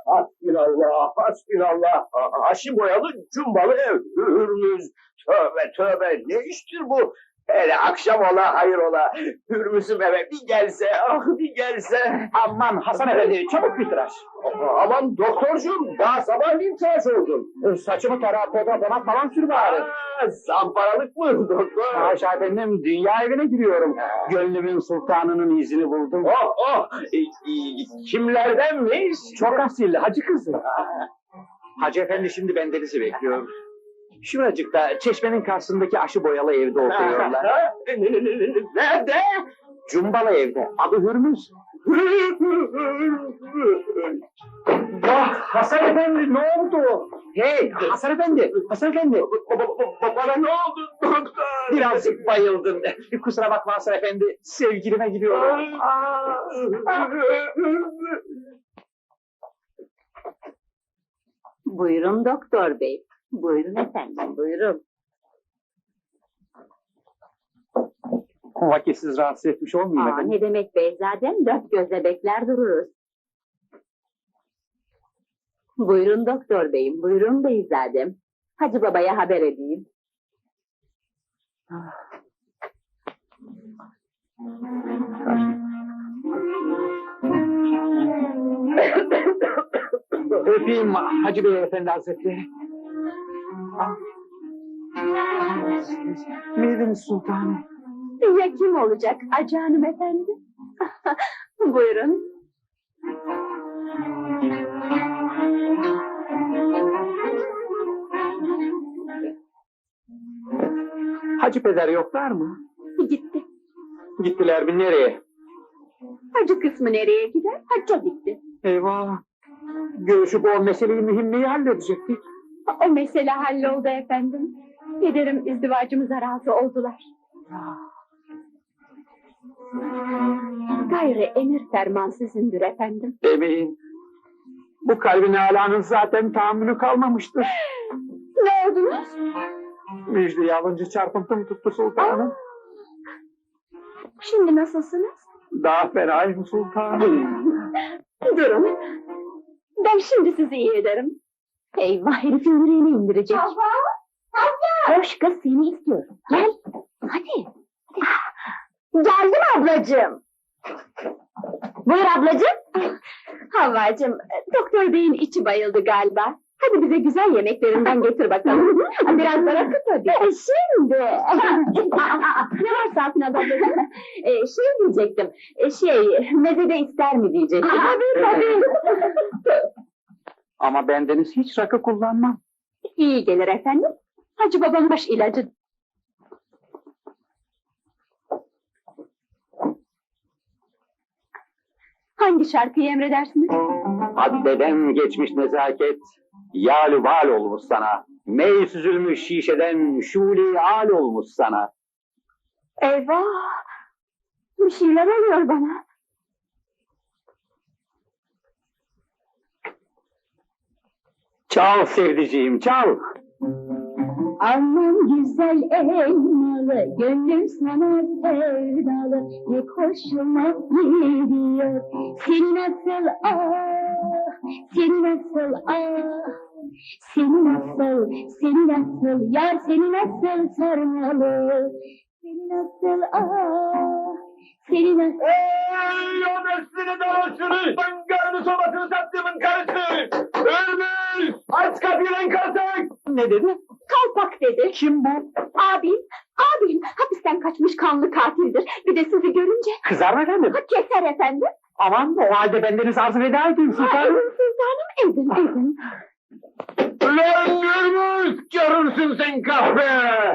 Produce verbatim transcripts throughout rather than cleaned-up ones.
Hasbinallah, hasbinallah. Aşı boyalı cumbalı ev. Hürmüz. Tövbe tövbe. Ne iştir bu? Hele akşam ola hayır ola. Hürmüz'üm eve bir gelse, ah bir gelse. Aman Hasan Efendi, çabuk bir tıraş. Aman doktorcuğum, daha sabahleyin tıraş oldun. Saçımı tara, poda, donak falan sür bari. Aa, zamparalık mı doktor? Haşa efendim, dünya evine giriyorum. Gönlümün sultanının izini buldum. Oh oh, e, e, kimlerdenmiş? Çok asil, hacı kızı. Hacı efendi şimdi bendenizi bekliyor. Şuracıkta, çeşmenin karşısındaki aşı boyalı evde oturuyorlar. Nerede? Cumbalı evde, adı Hürmüz. Vah Hasan Efendi, ne oldu? Hey Hasan Efendi, Hasan Efendi. Bana ne oldu doktor? Birazcık bayıldım. Kusura bakma Hasan Efendi, sevgilime gidiyorum. Buyurun doktor bey. Buyurun efendim, buyurun. Vakitsiz rahatsız etmiş olmayayım Aa, efendim. ne demek beyzadem, dört gözle bekler dururuz. Buyurun doktor beyim, buyurun beyzadem. Hacı babaya haber edeyim. Öpeyim Hacı Bey Efendi Hazretleri. Ah. Miydiniz sultanım? Ya kim olacak Hacı hanım efendi? Buyurun. Hacı peder yoklar mı? Gitti. Gittiler mi nereye? Hacı kısmı nereye gider? Hacca gitti. Eyvah! Görüşüp o meseleyi mühimmeyi halledecektik. O mesele halloldu efendim. Pederim izdivacımıza razı oldular. Gayrı emir ferman sizindir efendim. Demeyin. Bu kalbin alanın zaten tahammülü kalmamıştır. Ne oldunuz? Müjdeyi alınca çarpıntım tuttu sultanım. Şimdi nasılsınız? Daha fenayım sultanım. Durun. Ben şimdi sizi iyi ederim. Eyvah herifin yüreğini indirecek. Hava! Hava! Hoş kız seni istiyorum. Gel. Hadi. Geldim ablacığım. Buyur ablacığım. Havvacığım, doktor beyin içi bayıldı galiba. Hadi bize güzel yemeklerinden getir bakalım. Biraz daha kıt hadi. E, şimdi. Ne var Safin ablacığım? Ee, şey diyecektim. Ee, şey, mezede ister mi diyecektim. Tabii tabii. Ama bendeniz hiç rakı kullanmam. İyi gelir efendim. Hacı babam baş ilacı. Hangi şarkıyı emredersiniz? Haddeden geçmiş nezaket, yâl-ü val olmuş sana. Mey süzülmüş şişeden şûle-i âl olmuş sana. Eyvah! Bir şeyler oluyor bana. Çal sevdiceğim, çal. Aman güzel elmalı, gönlüm sana sevdalı, ne hoşuma gidiyor. Seni nasıl ah, seni nasıl ah, seni nasıl, seni nasıl, yar seni nasıl sarmalı, seni nasıl ah, seni nasıl... Ey o neslini dolaşırı! Ben karını sobasını sattığımın karısı! Ölmüş! Aç kapıyı lan karısı! Ne dedi? Kalpak dedi. Kim bu? Abim, abim hapisten kaçmış kanlı katildir. Bir de sizi görünce Kızar mı efendim? ha, keser efendim. Aman o halde bendeniz arz veda edeyim Ha, sultanım. sultanım edin edin. Ulan görmüş! Görürsün sen kahve!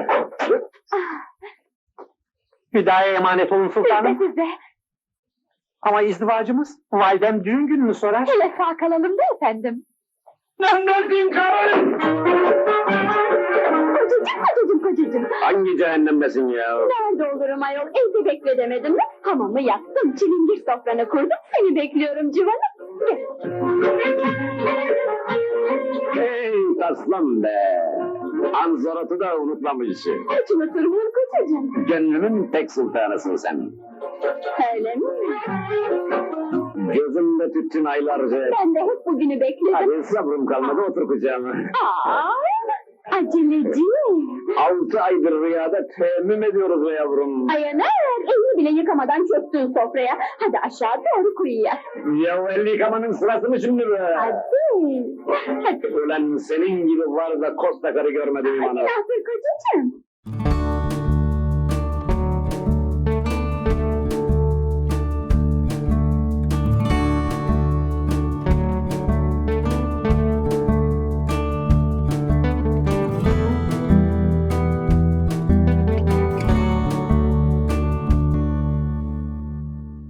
Hüdaya emanet olun Siz de sultanım. siz de. Ama izdivacımız validem düğün gününü sorar. Hele sağ kalalım da efendim. Lan nesin karı? Kocacığım kocacığım kocacığım. Hangi cehennemdesin ya? Nerede olurum ayol? Evde bekle demedim mi? Hamamı yaktım, çilingir sofranı kurdum. Seni bekliyorum civanım. Gel. Hey aslan be! Anzorat'ı da unutmamışsın. Hiç unutur muyum kocacığım? Gönlümün tek sultanısın sen. Öyle mi? Gözümde tüttün aylarca. Ben de hep bugünü bekledim. Hadi sabrım kalmadı otur kucağıma. Aa, aceleci. Altı aydır rüyada temmüm ediyoruz be yavrum. Ayanar, elini bile yıkamadan çöktün sofraya. Hadi aşağı doğru kuyuya. Ya elli yıkamanın sırası mı şimdi be? Hadi. Hadi. Ulan senin gibi var da kosta karı görmedim Hadi bana. Nazır kocacığım.